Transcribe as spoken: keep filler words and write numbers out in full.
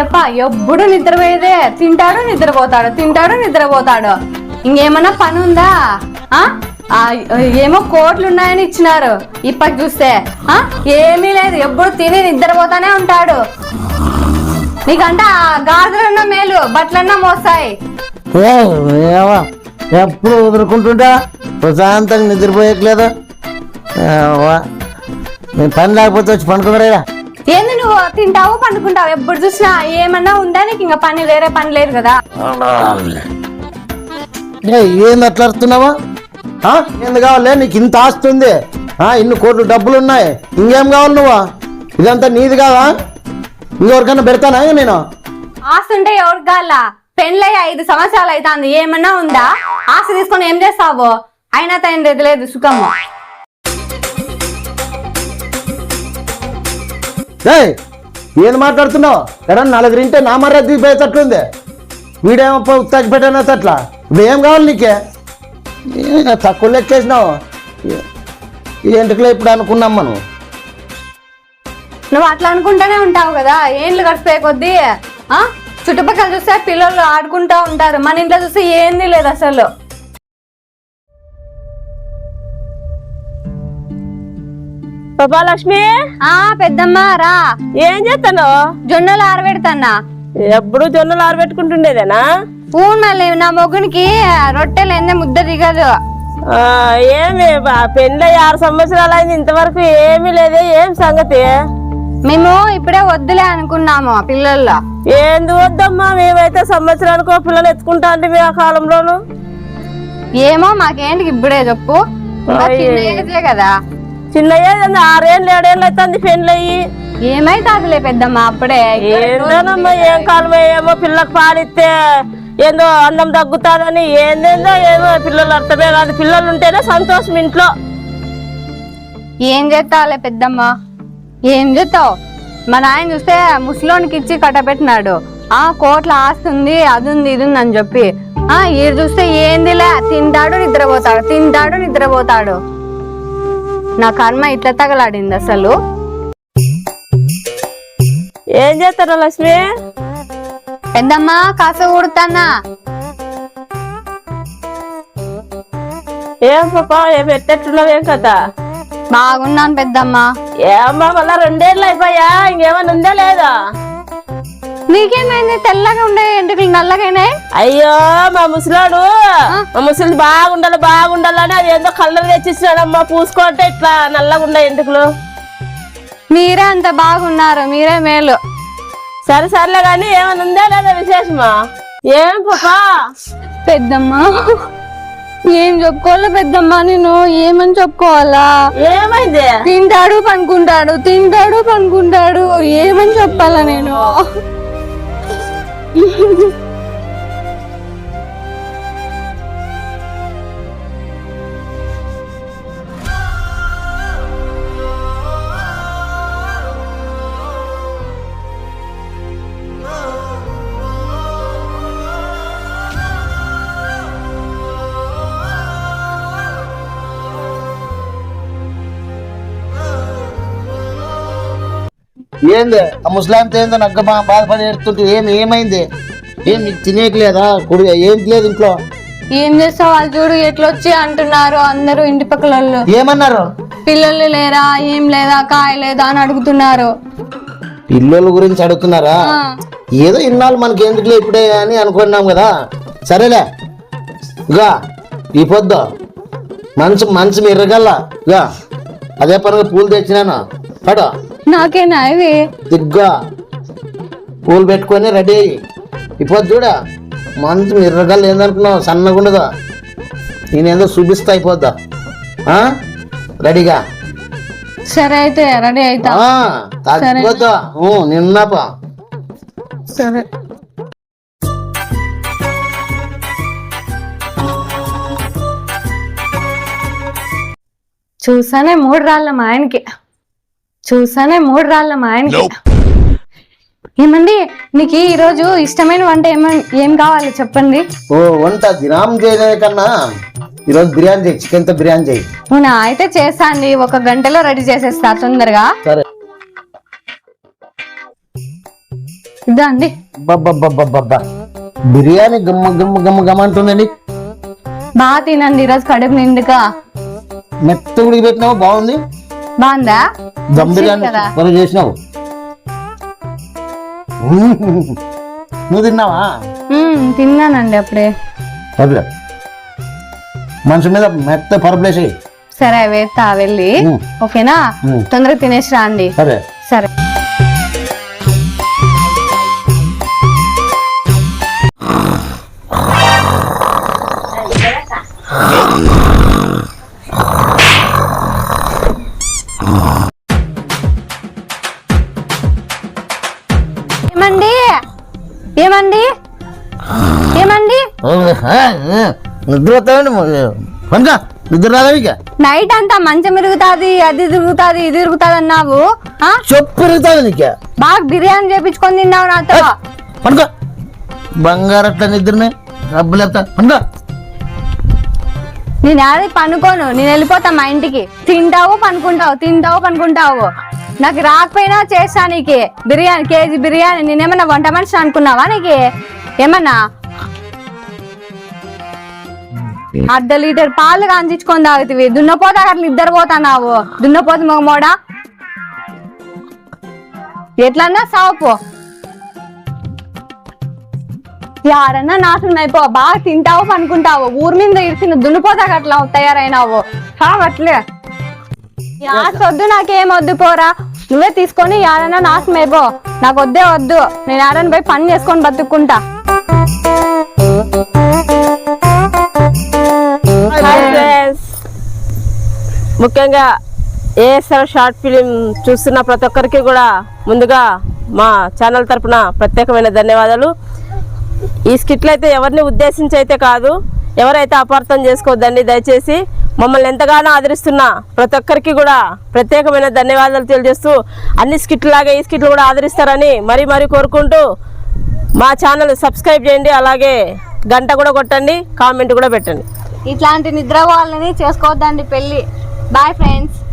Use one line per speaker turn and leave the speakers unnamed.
అయ్యప్ప ఎప్పుడు నిద్రపోయేదే, తింటాడు నిద్రపోతాడు తింటాడు నిద్రపోతాడు. ఇంకేమన్నా పని ఉందా? ఆ ఏమో కోట్లు ఉన్నాయని ఇచ్చినారు, ఇప్పటి చూస్తే ఆ ఏమీ లేదు, ఎప్పుడు తిని నిద్రపోతానే ఉంటాడు. నీకంటే ఆ గాజులన్నా మేలు, బట్టలన్నా మోస్తాయి.
ఎప్పుడు వదులుకుంటుంటా ప్రశాంతంగా నిద్రపోయట్లేదు. నేను పని లేకపోతే వచ్చి పండుకున్నారా?
ఏంది నువ్వు తింటావు పండుకుంటావు, ఎప్పుడు చూసినా ఏమన్నా ఉందా నీకు? ఇంకా పని వేరే పని లేదు కదా?
ఏంది అట్లా అరుస్తున్నావా? ఏంది కావాలి నీకు? ఇంత ఆస్తి ఉంది, ఇన్ని కోట్లు డబ్బులు ఉన్నాయి, ఇంకేం కావాలి నువ్వు? ఇదంతా నీది కాదా? ఇంకెవరికన్నా పెడతానా నేను?
ఆస్తి ఉంటే ఎవరికి కావాలా? పెళ్ళై ఐదు సంవత్సరాలు అవుతుంది, ఏమన్నా ఉందా? ఆస్తి తీసుకొని ఏం చేస్తావు? అయినా తన లేదు సుఖము.
ఏం మాట్లాడుతున్నావు? ఎరా నలుగురింటే నా మర్యాద దిగిపోయేటట్లుంది. వీడేమో ఉత్తాకి పెట్టినట్లా. ఇప్పుడు ఏం కావాలి నీకే? తక్కువ లెక్కేసినావు ఏంటికలే ఇప్పుడు అనుకున్నాం మనం.
నువ్వు అట్లా అనుకుంటూనే ఉంటావు కదా, ఏండ్లు గడిచిపోయే కొద్దీ. ఆ చుట్టుపక్కల చూస్తే పిల్లలు ఆడుకుంటా ఉంటారు, మన ఇంట్లో చూస్తే ఏంది లేదు అసలు.
లక్ష్మి
ఆ పెద్దమ్మ రా.
ఏం చేస్తాను?
జొన్నలు ఆరబెడతాన్నా.
ఎప్పుడు జొన్నలు ఆరబెట్టుకుంటుండేదేనా?
ఊన్ మళ్ళీ నా మొగ్గునికి రొట్టెలు ఎందే ముద్ద దిగదు.
ఏమి పెళ్ళి ఆరు సంవత్సరాలు అయింది, ఇంతవరకు ఏమీ లేదే. ఏం సంగతి?
మేము ఇప్పుడే వద్దులే అనుకున్నాము పిల్లల్లో.
ఏంది వద్దమ్మా, మేమైతే సంవత్సరానికి పిల్లలు ఎత్తుకుంటా అంటే మీ ఆ కాలంలోను.
ఏమో మాకేంటి ఇప్పుడే చెప్పు, కదా
చిన్న ఏజ్ ఆరేళ్ళు ఏడేళ్ళు అవుతుంది పెళ్ళి అయ్యి.
ఏమైతాదిలే పెద్దమ్మ అప్పుడే.
ఏందోనమ్మా ఏం కాలం ఏమో పిల్లలకు పాలిస్తే ఏందో అందం తగ్గుతాదని ఏందేందో ఏమో పిల్లలు అర్థమే కాదు. పిల్లలు ఉంటేనే సంతోషం ఇంట్లో.
ఏం చేస్తావులే పెద్దమ్మ, ఏం చేస్తావు? మా నాయన చూస్తే ముసలోనికి ఇచ్చి కట్టబెట్టినాడు. ఆ కోట్ల ఆస్తి ఉంది, అది ఉంది ఇది ఉంది అని చెప్పి. ఆ ఈడు చూస్తే ఏందిలే, తింటాడు నిద్రపోతాడు తింటాడు నిద్రపోతాడు. నా కర్మ ఇట్లా తగలాడింది అసలు.
ఏం చేస్తారా లక్ష్మి?
పెద్దమ్మ కాస ఊడుతానా.
ఏం పాపా ఏం పెట్టేట్టున్నావు? ఏం కథ?
బాగున్నాను పెద్దమ్మ.
ఏమ్మా మళ్ళా రెండేళ్ళు అయిపోయా, ఇంకేమన్నా ఉందా లేదా?
నీకేమైంది? తెల్లగా ఉండే ఎంటుకలు నల్లగానే.
అయ్యో మా ముసలాడు మా ముసలి బాగుండాలి బాగుండాలని అది ఏందో కలర్ తెచ్చిస్తున్నాడమ్మా, పూసుకోంటే ఇట్లా నల్లగా ఉండే ఎంటుకలు.
మీరే అంత బాగున్నారు, మీరే మేలు.
సరే సర్లే గాని ఏమన్నా ఉందా లేదా విశేషమా? ఏం పాపా?
పెద్దమ్మ ఏం చెప్పుకోవాలా పెద్దమ్మ, నేను ఏమని చెప్పుకోవాలా?
ఏమైంది?
తింటాడు పనుకుంటాడు తింటాడు పనుకుంటాడు, ఏమని చెప్పాలా నేను?
ఏంది ఆ ముస్లాంతో ఏందో నగ్గ బాధపడి ఏడుతుంటే ఏమి ఏమైంది? ఏం నీకు తినేయట్లేదా? కుడి ఏం లేదు ఇంట్లో.
ఏం చేస్తావు? వాళ్ళు చూడు ఎట్లొచ్చి అంటున్నారు అందరూ ఇంటి పక్కల.
ఏమన్నారు?
పిల్లలు లేరా, ఏం లేదా, కాయ లేదా అని అడుగుతున్నారు.
పిల్లల గురించి అడుగుతున్నారా? ఏదో ఇన్నాళ్ళు మనకి ఎందుకులే ఇప్పుడే అని అనుకున్నాం కదా. సరేలే ఇగా ఈ పొద్దు మంచు మంచం ఎర్రగల్లా ఇగా అదే పనుగా పూలు తెచ్చినాను పడు.
నాకేనా ఇవి?
దిగ్గా పూలు పెట్టుకొని రెడీ అయ్యి ఇప్పుడు చూడ మంచం ఎర్రగల్లా ఏందనుకున్నావు? సన్నగా ఉండదు, నేనేందో చూపిస్తా అయిపోద్దా. రెడీగా
సరే అయితే రెడీ అవుతా.
తగ్గిపోతా నిన్నపా.
సరే చూసానే మూడు రాళ్ళ మా ఆయనకి చూసానే మూడు రాళ్ళ మా ఆయనకి ఏమండి నీకు ఈ రోజు ఇష్టమైన వంట ఏమని ఏం కావాలి చెప్పండి?
ఓ వంట దినం చేయలే కన్నా ఈరోజు బిర్యానీ చేయి, చికెన్ తో బిర్యానీ చేయి.
అవునా? అయితే చేస్తాండి, ఒక గంటలో రెడీ చేసేస్తా తొందరగా.
సరే
ఇదా అండి.
బబ్బబ్బబ్బబ్బబ్బా బిర్యానీ గమ్మ గమ్మ గమ్మ గమ్మ అంటుందండి.
బాగా తినండి ఈరోజు కడుపు నిండుగా.
మెత్త ఉడికి పెట్టినావు, బాగుంది.
బాగుందా?
దమ్ బిర్యానీ
కదా.
మనం చేసినావు. నువ్వు తిన్నావా?
మ్మ్, తిన్నానండి అప్పుడే.
సరే మనిషి మీద మెత్త పరుపులేసి.
సరే వేస్తా వెళ్ళి.
మ్మ్.
ఓకేనా?
మ్మ్.
తొందరగా తినేసి రండి.
సరే
సరే. ఏమండి ఏమండి ఏమండి
నిద్ర వస్తామండి పనుక నిద్ర రాదా ఇక?
నైట్ అంతా మంచం తిరుగుతాది, అది తిరుగుతాది, ఇది తిరుగుతాది అన్నావు. ఆ?
చెప్పు పెరుగుతుంది నీకు.
బాగా బిర్యానీ చేపించుకొని తిన్నావు నాతో.
పనుక బంగారు అట్లా నిద్రనే డబ్బులు ఎత్తా పనుక.
నేను అది పనుకోను, నేను వెళ్ళిపోతా మా ఇంటికి. తింటావు పనుకుంటావు, తింటావు పనుకుంటావు. నాకు రాకపోయినా చేస్తా నీకు బిర్యానీ, కేజీ బిర్యానీ. నేనేమన్నా వంట మనిషి అనుకున్నావా? నీకు ఏమన్నా అర్ధ లీటర్ పాలు కాంచుకొని తాగుతుంది. దున్నపోతా అట్లా ఇద్దరు పోతున్నావు. దున్నపోతు మగమోడా ఎట్లన్నా సావుపో. యారన్నా నాశనం అయిపో. బాగా తింటావు పనుకుంటావు. ఊరి మీద ఇరిసిన దున్నపోతాక అట్లా తయారైనావు. కావట్లే వద్దు, నాకేం వద్దు పోరా. నువ్వే తీసుకొని యారన్నా నాశనం అయిపో. నాకు వద్దే వద్దు. నేను యారన్నా పోయి పని చేసుకొని బతుక్కుంటా.
హాయ్ ఫ్రెండ్స్, ముఖ్యంగా ఏఎస్ఆర్ షార్ట్ ఫిలిం చూస్తున్న ప్రతి ఒక్కరికి కూడా ముందుగా మా ఛానల్ తరపున ప్రత్యేకమైన ధన్యవాదాలు. ఈ స్కిట్లు అయితే ఎవరిని ఉద్దేశించి అయితే కాదు, ఎవరైతే అపార్థం చేసుకోవద్దండి దయచేసి. మమ్మల్ని ఎంతగానో ఆదరిస్తున్న ప్రతి ఒక్కరికి కూడా ప్రత్యేకమైన ధన్యవాదాలు తెలియజేస్తూ, అన్ని స్కిట్లు లాగా ఈ స్కిట్లు కూడా ఆదరిస్తారని మరీ మరీ కోరుకుంటూ మా ఛానల్ సబ్స్క్రైబ్ చేయండి. అలాగే గంట కూడా కొట్టండి, కామెంట్ కూడా పెట్టండి.
ఇట్లాంటి నిద్ర వాళ్ళని చేసుకోవద్దండి పెళ్ళి. Bye friends.